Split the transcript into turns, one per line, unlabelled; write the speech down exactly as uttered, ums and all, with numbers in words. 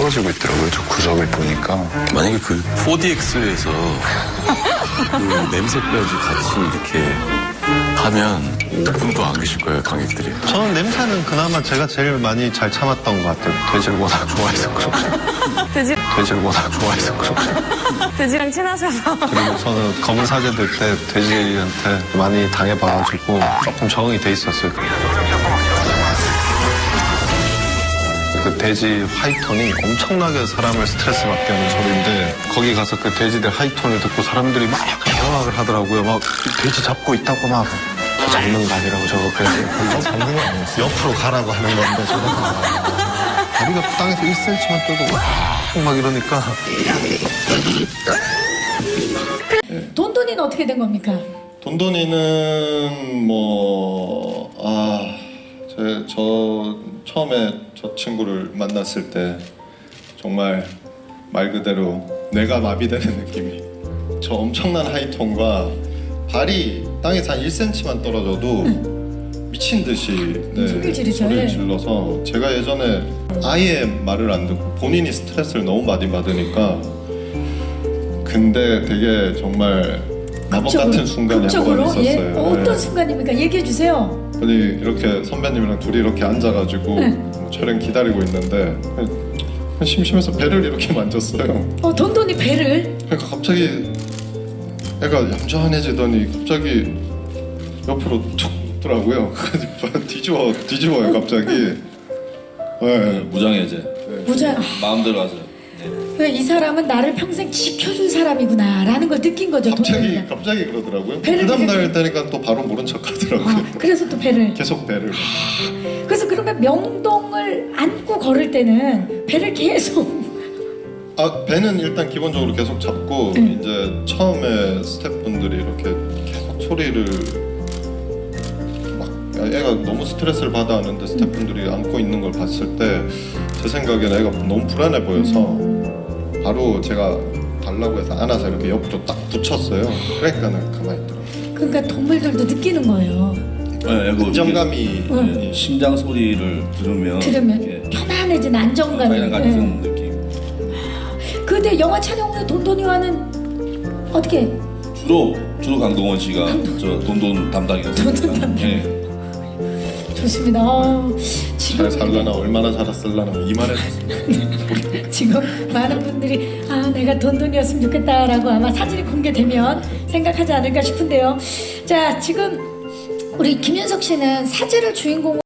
떨어지고 있더라고요. 저 구석을 보니까.
만약에 그 포디엑스에서 그 냄새까지 같이 이렇게 하면 오 분도 안 계실 거예요, 관객들이.
저는 냄새는 그나마 제가 제일 많이 잘 참았던 것 같아요. 돼지를 워낙 좋아해서 그런지.
돼지,
돼지를 워낙 좋아해서 그런지.
돼지랑 친하셔서.
그리고 저는 검은 사제 들 때 돼지한테 많이 당해봐가지고 조금 적응이 돼 있었어요. 그 돼지 하이톤이 엄청나게 사람을 스트레스 받게 하는 소리인데 거기 가서 그 돼지들 하이톤을 듣고 사람들이 막 경악을 하더라고요. 막 돼지 잡고 있다고 막 저 잡는 거 아니라고 저거 그냥 잡는 거 아니었어요. 옆으로 가라고 하는 건데 저거 다리가 땅에서 일 센티미터만 뜨고 막, 막 이러니까
돈돈이는 어떻게 된 겁니까?
돈돈이는 뭐 아, 제, 저 처음에 저 친구를 만났을 때 정말 말 그대로 내가 마비되는 느낌이. 저 엄청난 하이톤과 발이 땅에서 한 일 센티미터만 떨어져도 응. 미친 듯이 네,
소리를 지르죠.
소리를 질러서 제가 예전에 아예 말을 안 듣고 본인이 스트레스를 너무 많이 받으니까 근데 되게 정말 마법 같은 순간이 한 번 있었어요.
예? 어, 어떤
네.
순간입니까? 얘기해 주세요.
아니 이렇게 선배님이랑 둘이 이렇게 앉아가지고
네.
뭐 촬영 기다리고 있는데 그냥 심심해서 배를 이렇게 만졌어요.
어, 돈돈이 배를?
그러니까 갑자기 애가 얌전해지더니 갑자기 옆으로 툭 더라고요. 뒤집어 뒤집어요 갑자기. 네.
무장해제.
무장.
마음대로 하세요.
그러니까 이 사람은 나를 평생 지켜줄 사람이구나라는 걸 느낀 거죠.
갑자기
돈돈이가.
갑자기 그러더라고요.
배를
그 다음 날
이렇게-
되니까 또 바로 모른 척하더라고요.
아, 그래서 또 배를.
계속 배를.
그래서 그러면 명동을 안고 걸을 때는 배를 계속.
아 배는 일단 기본적으로 계속 잡고
응.
이제 처음에 스태프분들이 이렇게 계속 소리를 막 애가 너무 스트레스를 받아 하는데 스태프분들이 안고 있는 걸 봤을 때 제 생각에는 애가 너무 불안해 보여서 바로 제가 달라고 해서 안아서 이렇게 옆으로 딱 붙였어요. 그러니까는 가만히 있더라고요.
그러니까 동물들도 느끼는 거예요.
네, 그
안정감이
응.
이 심장 소리를 들으면
들으면
이렇게
편안해진 안정감이.
그냥 같은
네.
느낌.
근데 영화 촬영 후에 돈돈이와는 어떻게?
주로 주로 강동원 씨가 저 돈돈 담당이었어요.
돈돈 담당.
네.
좋습니다. 어, 지금
잘 살려나 얼마나 살았을라나 이만했어요.
지금 많은 분들이 아 내가 돈돈이었으면 좋겠다라고 아마 사진이 공개되면 생각하지 않을까 싶은데요. 자 지금 우리 김윤석 씨는 사제를 주인공